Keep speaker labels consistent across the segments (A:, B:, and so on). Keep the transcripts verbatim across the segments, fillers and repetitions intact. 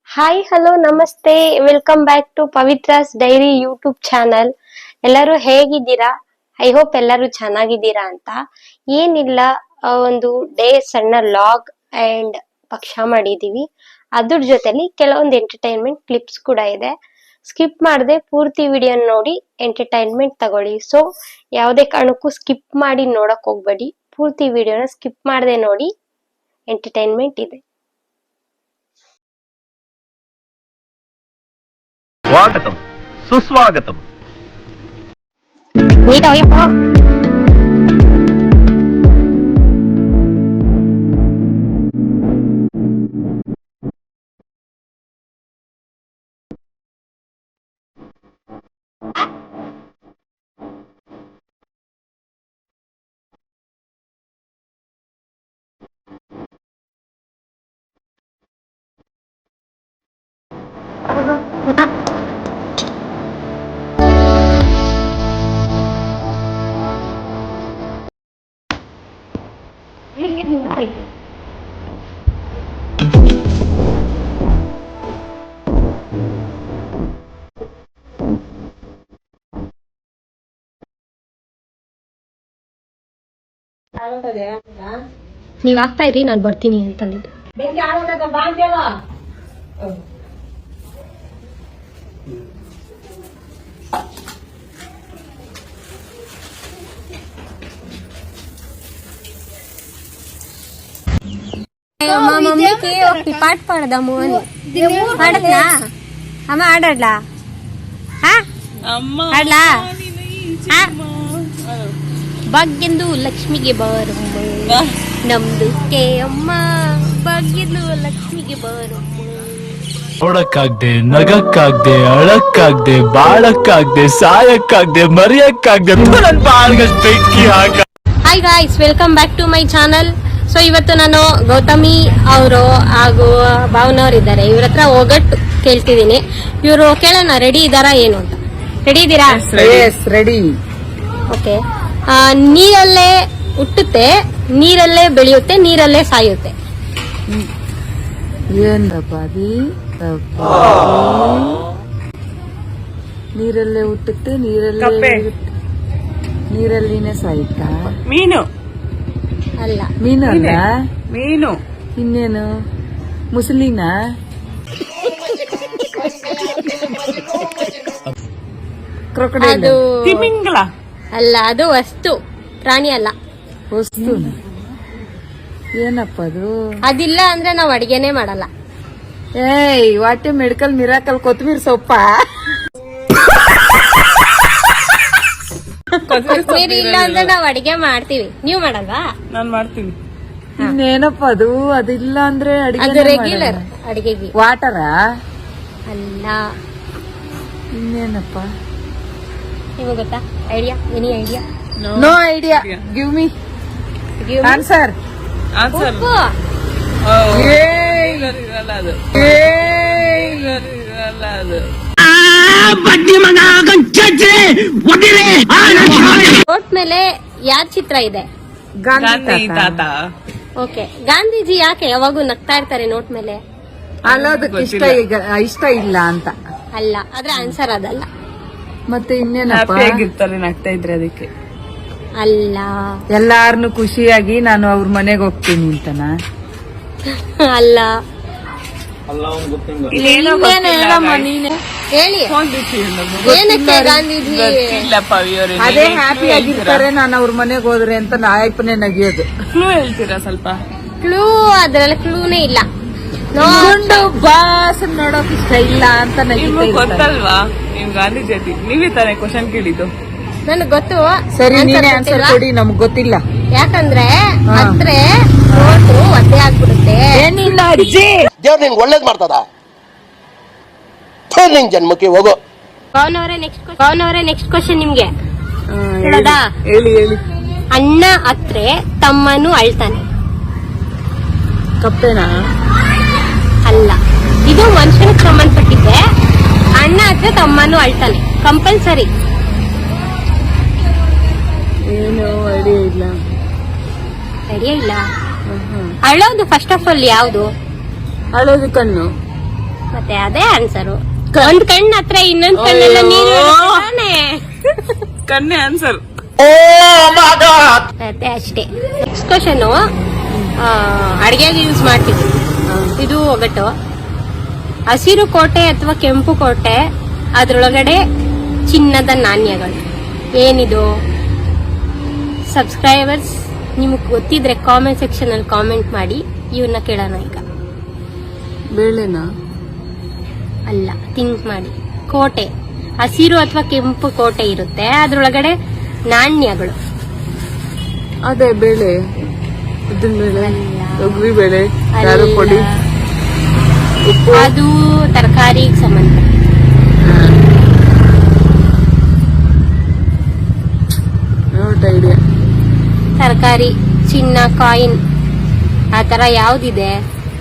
A: Hi hello ನಮಸ್ತೆ welcome back to Pavithra's diary YouTube channel. ಎಲ್ಲರೂ ಹೇಗಿದ್ದೀರಾ? ಐ ಹೋಪ್ ಎಲ್ಲರೂ ಚೆನ್ನಾಗಿದ್ದೀರಾ ಅಂತ. ಏನಿಲ್ಲ, ಒಂದು ಡೇ ಸಣ್ಣ ಲಾಗ್ ಅಂಡ್ ಪಕ್ಷ ಮಾಡಿದೀವಿ. ಅದ್ರ ಜೊತೆಲಿ ಕೆಲವೊಂದು ಎಂಟರ್ಟೈನ್ಮೆಂಟ್ ಕ್ಲಿಪ್ಸ್ ಕೂಡ ಇದೆ. ಸ್ಕಿಪ್ ಮಾಡದೆ ಪೂರ್ತಿ ವಿಡಿಯೋ ನೋಡಿ ಎಂಟರ್ಟೈನ್ಮೆಂಟ್ ತಗೊಳ್ಳಿ. ಸೊ ಯಾವುದೇ ಕಾರಣಕ್ಕೂ ಸ್ಕಿಪ್ ಮಾಡಿ ನೋಡಕ್ ಹೋಗ್ಬೇಡಿ. ಪೂರ್ತಿ ವಿಡಿಯೋನ ಸ್ಕಿಪ್ ಮಾಡದೆ ನೋಡಿ, ಎಂಟರ್ಟೈನ್ಮೆಂಟ್ ಇದೆ.
B: స్వాగతం సుస్వాగతం.
A: ನೀವ್ ಆಗ್ತಾ ಇರಿ, ನಾನು ಬರ್ತೀನಿ ಅಂತಂದಿದ್ದು. మా మమ్మీకి ఒక పాట పాడదాము అని. పాడట్లా అమ్మ? ఆడట్లా ఆడలా? ಭಾಗ್ಯಂದು ಲಕ್ಷ್ಮಿಗೆ ಬಾರಮ್ಮ, ನಮ್ದು ಕೆ ಅಮ್ಮ ಭಾಗ್ಯಂದು ಲಕ್ಷ್ಮಿಗೆ ಬಾರಮ್ಮ.
C: ನೋಡಕ್ಕಾಗ್ದೆ, ನಗಕ್ಕಾಗ್ದೆ, ಅಳಕ್ಕಾಗ್ದೆ, ಬಾಳಕ್ಕಾಗ್ದೆ, ಸಾಯಕ್ಕಾಗ್ದೆ, ಮರಿಯಕ್ಕಾಗ್ದೆ, ನನ್ ಬಾಳ್ಗಷ್ಟು ಬೆಂಕಿ ಹಾಕ.
A: Hi guys, welcome back to my channel. So ಇವತ್ತು ನಾನು ಗೌತಮಿ ಅವರು ಹಾಗೂ ಭಾವನವ್ರು ಇದ್ದಾರೆ, ಇವ್ರ ಹತ್ರ ಒಗಟ್ಟು ಕೇಳ್ತಿದ್ದೀನಿ. ಇವರು ಕೇಳೋಣ ರೆಡಿ ಇದಾರಾ ಏನು ಅಂತ. ರೆಡಿ ಇದ್ದೀರಾ?
D: ರೆಡಿ.
A: ಓಕೆ. ನೀರಲ್ಲೇ ಹುಟ್ಟುತ್ತೆ, ನೀರಲ್ಲೇ ಬೆಳೆಯುತ್ತೆ, ನೀರಲ್ಲೇ ಸಾಯುತ್ತೆ.
D: ಏನಪ್ಪ ಅದಿ? ನೀರಲ್ಲೇ ಹುಟ್ಟುತ್ತೆ, ನೀರಲ್ಲೇ ನೀರಲ್ಲಿನೇ ಸಾಯುತ್ತಾ?
E: ಮೀನು
A: ಅಲ್ಲ.
D: ಮೀನು ಅಲ್ಲ,
E: ಮೀನು.
D: ಇನ್ನೇನು? ಮುಸಲಿನ? ಕ್ರೊಕೊಡೈಲ್?
A: ಅದು
E: ತಿಮಿಂಗಲ
A: ಅಲ್ಲ, ಅದು ವಸ್ತು, ಪ್ರಾಣಿ ಅಲ್ಲ.
D: ವಸ್ತು. ಏನಪ್ಪ ಅದು?
A: ಅದಿಲ್ಲ ಅಂದ್ರೆ ನಾವ್ ಅಡಿಗೆನೆ ಮಾಡಲ್ಲ.
D: ಏಯ್, ವಾಟೆ ಮೆಡಿಕಲ್ ಮಿರಾಕಲ್ ಕೊತ್ತಂಬರಿ ಸೊಪ್ಪ?
A: ಕೊತ್ತಂಬರಿ ಇಲ್ಲ ಅಂದ್ರೆ ನಾವ್ ಅಡಿಗೆ ಮಾಡ್ತೀವಿ, ನೀವ್ ಮಾಡಲ್ವಾ?
E: ನಾನ್ ಮಾಡ್ತೀನಿ.
D: ಇನ್ನೇನಪ್ಪ ಅದು? ಅದಿಲ್ಲ ಅಂದ್ರೆ
A: ಅದು
D: ಅಡಿಗೆ
A: ರೆಗ್ಯುಲರ್ ಅಡಿಗೆಗೆ.
D: ವಾಟರ?
A: ಅಲ್ಲ.
D: ಇನ್ನೇನಪ್ಪ?
A: ನಿಮಗೆ ಗೊತ್ತಾ? Idea? Any idea?
D: No idea. Give me answer.
E: Answer
A: ಉಪ್ಪು.
E: ಇರಲ್ಲ ಅದು, ಇರಲ್ಲ ಅದು.
A: ನೋಟ್ ಮೇಲೆ ಯಾರ್ ಚಿತ್ರ ಇದೆ?
E: ಗಾಂಧಿ ತಾತ.
A: ಓಕೆ. ಗಾಂಧೀಜಿ ಯಾಕೆ ಯಾವಾಗೂ ನಗ್ತಾ ಇರ್ತಾರೆ ನೋಟ್ ಮೇಲೆ?
D: ಅಲ್ಲೋದಕ್ಕೆ ಇಷ್ಟ ಈಗ- ಇಷ್ಟ ಇಲ್ಲ ಅಂತ.
A: ಅಲ್ಲ, ಆದ್ರೆ ಆನ್ಸರ್ ಅದಲ್ಲ.
D: ಮತ್ತೆ ಇನ್ನೇನಪ್ಪ?
E: ಹ್ಯಾಪಿ ಆಗಿರ್ತಾರೆ ನಗ್ತಾ ಇದ್ರೆ, ಅದಕ್ಕೆ.
A: ಅಲ್ಲ.
D: ಎಲ್ಲಾರ್ನು ಖುಷಿಯಾಗಿ ನಾನು ಅವ್ರ ಮನೆಗೆ ಹೋಗ್ತೀನಿ ಅಂತನ?
A: ಅಲ್ಲ.
E: ಇಲ್ಲೇನೋ
D: ಇನ್ನೇನು ಹೇಳಮ್ಮ ನೀನೆ.
A: ಹೇಳಿ, ಏನಕ್ಕೆ ಗಾಂಧೀಜಿ?
D: ಅದೇ ಹ್ಯಾಪಿ ಆಗಿರ್ತಾರೆ ನಾನು ಅವ್ರ ಮನೆಗೆ ಹೋದ್ರೆ ಅಂತ ನಾಯಪ್ಪನೇ ನಗಿಯೋದು.
E: ಕ್ಲೂ ಹೇಳ್ತೀರಾ ಸ್ವಲ್ಪ?
A: ಕ್ಲೂ ಅದ್ರಲ್ಲಿ ಕ್ಲೂನೇ ಇಲ್ಲ.
D: ಗುಂಡು ಬಾಸ್ ನೋಡೋಕ್ ಇಷ್ಟ ಇಲ್ಲ ಅಂತ
E: ನಿಮ್ಗೆ
D: ನಗಿತಾ ಇರ್ತಾರೆ.
E: ಗೊತ್ತಲ್ವಾ ನಿಮ್ ಗಾಂಧಿ ಜಯಂತಿ? ನೀವೇ ತಾನೇ ಕ್ವಶನ್ ಕೇಳಿದ್ದು?
A: ನನಗ್ ಗೊತ್ತು.
D: ಸರಿ,
A: answer
D: ನೀನೇ ಆನ್ಸರ್
A: ಗೊತ್ತಿಲ್ವಾ?
D: ಕೊಡಿ, ನಮ್ಗ್ ಗೊತ್ತಿಲ್ಲ.
A: ಯಾಕಂದ್ರೆ
D: ಹಾ.
A: ಹತ್ರ ನೋಟು ಒದ್ದೆ ಆಗ್ಬಿಡುತ್ತೆ.
D: ಏನಿಲ್ಲ ಅಜ್ಜಿ,
F: ದೇವ್ರು ನಿಂಗೆ ಒಳ್ಳೇದ್ ಮಾಡ್ತದ? ನಿಂಗ್ ಜನ್ಮಕ್ಕೆ ಹೋಗೋ.
A: ಪವನವರೇ ನೆಕ್ಸ್ಟ್ ಪವನವರೇ ನೆಕ್ಸ್ಟ್ ಕ್ವಶನ್ ನಿಮ್ಗೆ
E: ಹಾ,
A: ಹೇಳೋದಾ?
E: ಹೇಳಿ ಹೇಳಿ.
A: ಅಣ್ಣ ಹತ್ರೆ ತಮ್ಮನು ಅಳ್ತಾನೆ.
D: ಕಪ್ಪೆನಾ?
A: ಅಲ್ಲ, ಇದು ಮನುಷ್ಯನಿಗೆ ಸಂಬಂಧಪಟ್ಟಿದ್ದೆ. ಅಣ್ಣ ಹತ್ರ ತಮ್ಮನು ಅಳ್ತಾನೆ, ಕಂಪಲ್ಸರಿ.
D: ಏನು ಐಡಿಯಾ ಇಲ್ಲ.
A: ಐಡಿಯಾ ಇಲ್ಲ. ಅಳೋದು ಫಸ್ಟ್ ಆಫ್ ಆಲ್ ಯಾವುದು?
D: ಅಳೋದು ಕಣ್ಣು.
A: ಮತ್ತೆ ಅದೇ ಆನ್ಸರು. ಒಂದ್ ಕಣ್ಣು ಹತ್ರ ಇನ್ನೊಂದ್ ಕಣ್ಣೆಲ್ಲ ನೀರು ತಾನೆ.
E: ಕನ್ನೆ ಆನ್ಸರ್.
A: ಮತ್ತೆ ಅಷ್ಟೇ. ನೆಕ್ಸ್ಟ್ ಕ್ವಶನ್, ಅಡಿಗೆಗೆ ಯೂಸ್ ಮಾಡ್ತೀವಿ ಇದು ಒಗಟು. ಹಸಿರು ಕೋಟೆ ಅಥವಾ ಕೆಂಪು ಕೋಟೆ, ಅದ್ರೊಳಗಡೆ ಚಿನ್ನದ ನಾಣ್ಯಗಳು, ಏನಿದು? ಸಬ್ಸ್ಕ್ರೈಬರ್ಸ್ ನಿಮಗೆ ಗೊತ್ತಿದ್ರೆ ಕಾಮೆಂಟ್ ಸೆಕ್ಷನ್ ಅಲ್ಲಿ ಕಾಮೆಂಟ್ ಮಾಡಿ. ಇವನ್ನ ಕೇಳೋಣ ಈಗ.
E: ಬೇಳೆನಾ?
A: ಅಲ್ಲ, ಥಿಂಕ್ ಮಾಡಿ. ಕೋಟೆ, ಹಸಿರು ಅಥವಾ ಕೆಂಪು ಕೋಟೆ ಇರುತ್ತೆ, ಅದ್ರೊಳಗಡೆ ನಾಣ್ಯಗಳು.
E: ಅದೇ ಬೇಳೆ, ಉದ್ದಿನ ಬೇಳೆ,
A: ಅಲ್ಲ.
E: ತೊಗರಿ ಬೇಳೆ,
A: ಅಲ್ಲ.
E: ಖಾರ ಪುಡಿ, ಉಪ್ಪು.
A: ಅದು ತರಕಾರಿಗೆ ಸಂಬಂಧ.
E: Not idea.
A: ತರಕಾರಿ, ಚಿನ್ನ, ಕಾಯಿನ್, ಆತರ ಯಾವ್ದಿದೆ?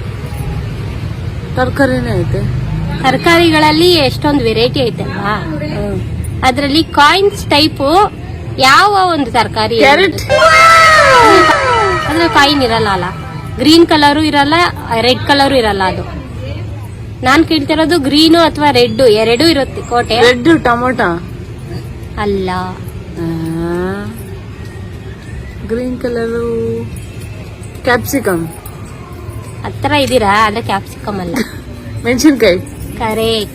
E: ತರಕಾರಿನೇ ಐತೆ.
A: ತರಕಾರಿಗಳಲ್ಲಿ ಎಷ್ಟೊಂದು ವೆರೈಟಿ ಐತಲ್ವಾ, ಅದ್ರಲ್ಲಿ ಕಾಯಿನ್ಸ್ ಟೈಪ್ ಯಾವ ಒಂದು ತರಕಾರಿ?
E: ಕ್ಯಾರೆಟ್.
A: ಅದ್ರಲ್ಲಿ ಕಾಯಿನ್ ಇರಲ್ಲ ಅಲ್ಲ, ಗ್ರೀನ್ ಕಲರು ಇರಲ್ಲ, ರೆಡ್ ಕಲರು ಇರಲ್ಲ. ಅದು ನಾನ್ ಕೇಳ್ತಿರೋದು ಗ್ರೀನು ಅಥವಾ ರೆಡ್ ಎರಡೂ ಇರುತ್ತೆ ಕೋಟೆ.
E: ರೆಡ್ ಟೊಮೊಟೊ
A: ಅಲ್ಲ.
E: Green colour capsicum.
A: ಹತ್ರ ಇದೀರಾ, ಆದ್ರೆ ಕ್ಯಾಪ್ಸಿಕಮ್ ಅಲ್ಲ.
E: ಮೆಣಸಿನ್ಕಾಯಿ.
A: ಕರೆಕ್ಟ್.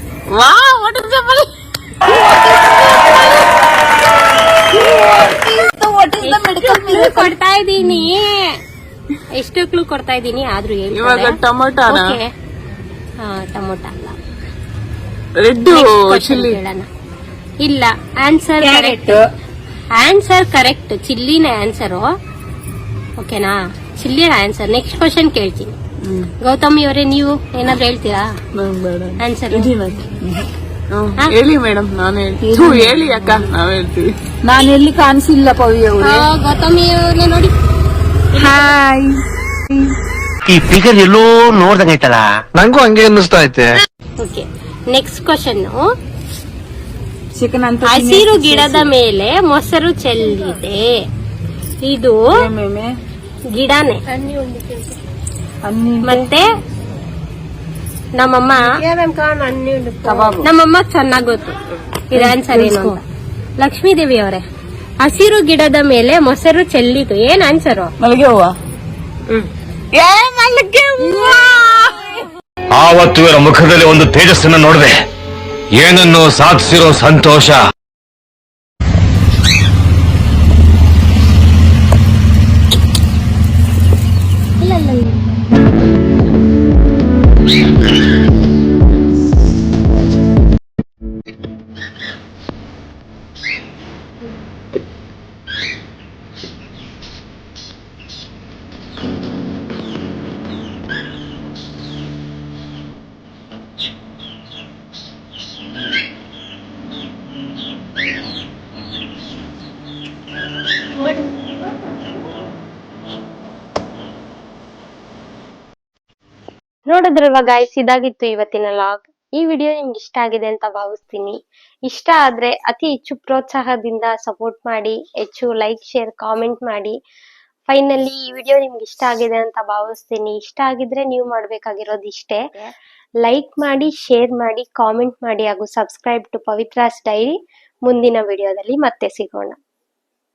A: ಕೊಡ್ತಾ ಇದ್ದೀನಿ, ಎಷ್ಟು ಕ್ಲೂ ಕೊಡ್ತಾ ಇದ್ದೀನಿ, ಆದ್ರೂ
E: ಇವಾಗ
A: ಹೇಳ್ತಾರೆ.
E: ಟೊಮೊಟೊನ?
A: Okay. ಹಾ, ಟೊಮೊಟೊ ಅಲ್ಲ.
E: Red
A: Next question
E: chilli.
A: ಕೇಳೋಣ. ಇಲ್ಲ, ಆನ್ಸರ್ ಕರೆಕ್ಟ್. ಆನ್ಸರ್ ಕರೆಕ್ಟ್, ಚಿಲ್ಲಿನ ಆನ್ಸರು. ಓಕೆನಾ, ಚಿಲ್ಲಿನ ಆನ್ಸರ್. ನೆಕ್ಸ್ಟ್ ಕ್ವಶನ್ ಕೇಳ್ತೀನಿ. ಗೌತಮಿ ಅವರೇ, ನೀವು ಏನಾದ್ರು ಹೇಳ್ತೀರಾ
E: ನಂಗ್ ಬೇಡ.
A: ಆನ್ಸರ್?
E: ಹ್ಮ್,
A: ಹಾ?
E: ಹೇಳಿ ಮೇಡಮ್, ನಾನು ಹೇಳ್ತೀನಿ. ಥು, ಹೇಳಿ ಅಕ್ಕ, ನಾವ್ ಹೇಳ್ತೀವಿ.
D: ನಾನು ಎಲ್ಲಿ ಕಾಣಿಸಿಲ್ಲ ಪವಿ ಅವ್ರೆ.
A: ಗೌತಮಿ ಅವ್ರನ್ನ ನೋಡಿ.
D: ಹಾಯ್.
B: ಈ ಫಿಗರ್ ಎಲ್ಲೋ ನೋಡ್ದಂಗೈತಲ್ಲ. ನಂಗೂ ಹಂಗೆ ಅನ್ನಿಸ್ತಾ ಐತೆ.
A: Okay, next question.
D: ಚಿಕನ್ ಅಂತ
A: ಹಸಿರು ಗಿಡದ ಮೇಲೆ ಮೊಸರು ಚೆಲ್ಲಿದೆ, ಇದು
D: ಮೇಮೆ
A: ಗಿಡನೇ.
D: ಅನ್ನಿ
A: ಮತ್ತೆ ನಮ್ಮಮ್ಮ
D: ಕಬಾಬು.
A: ನಮ್ಮಮ್ಮ ಚೆನ್ನಾಗ್ ಗೊತ್ತು ಇದು ಆನ್ಸರ್ ಏನು ಅಂತ. ಲಕ್ಷ್ಮೀ ದೇವಿ ಅವರೇ, ಹಸಿರು ಗಿಡದ ಮೇಲೆ ಮೊಸರು ಚೆಲ್ಲಿತು, ಏನ್ ಆನ್ಸರು?
D: ಮಲ್ಲಿಗೆ ಹೂವ.
B: ಆವತ್ತು ಇವರ ಮುಖದಲ್ಲಿ ಒಂದು ತೇಜಸ್ಸನ್ನ ನೋಡಿದೆ, ಏನನ್ನು ಸಾಧಿಸಿರೋ ಸಂತೋಷ.
A: ನೋಡಿದ್ರಲ್ವಾ ಗಾಯ್ಸ್, ಇದಾಗಿತ್ತು ಇವತ್ತಿನ ಲಾಗ್. ಈ ವಿಡಿಯೋ ನಿಮ್ಗೆ ಇಷ್ಟ ಆಗಿದೆ ಅಂತ ಭಾವಿಸ್ತೀನಿ. ಇಷ್ಟ ಆದ್ರೆ ಅತಿ ಹೆಚ್ಚು ಪ್ರೋತ್ಸಾಹದಿಂದ ಸಪೋರ್ಟ್ ಮಾಡಿ, ಹೆಚ್ಚು ಲೈಕ್, ಶೇರ್, ಕಾಮೆಂಟ್ ಮಾಡಿ. ಫೈನಲಿ ಈ ವಿಡಿಯೋ ನಿಮ್ಗೆ ಇಷ್ಟ ಆಗಿದೆ ಅಂತ ಭಾವಿಸ್ತೀನಿ. ಇಷ್ಟ ಆಗಿದ್ರೆ ನೀವು ಮಾಡ್ಬೇಕಾಗಿರೋದು ಇಷ್ಟೇ, ಲೈಕ್ ಮಾಡಿ, ಶೇರ್ ಮಾಡಿ, ಕಾಮೆಂಟ್ ಮಾಡಿ ಹಾಗೂ ಸಬ್ಸ್ಕ್ರೈಬ್ ಟು ಪವಿತ್ರಾಸ್ ಡೈರಿ. ಮುಂದಿನ ವಿಡಿಯೋದಲ್ಲಿ ಮತ್ತೆ ಸಿಗೋಣ.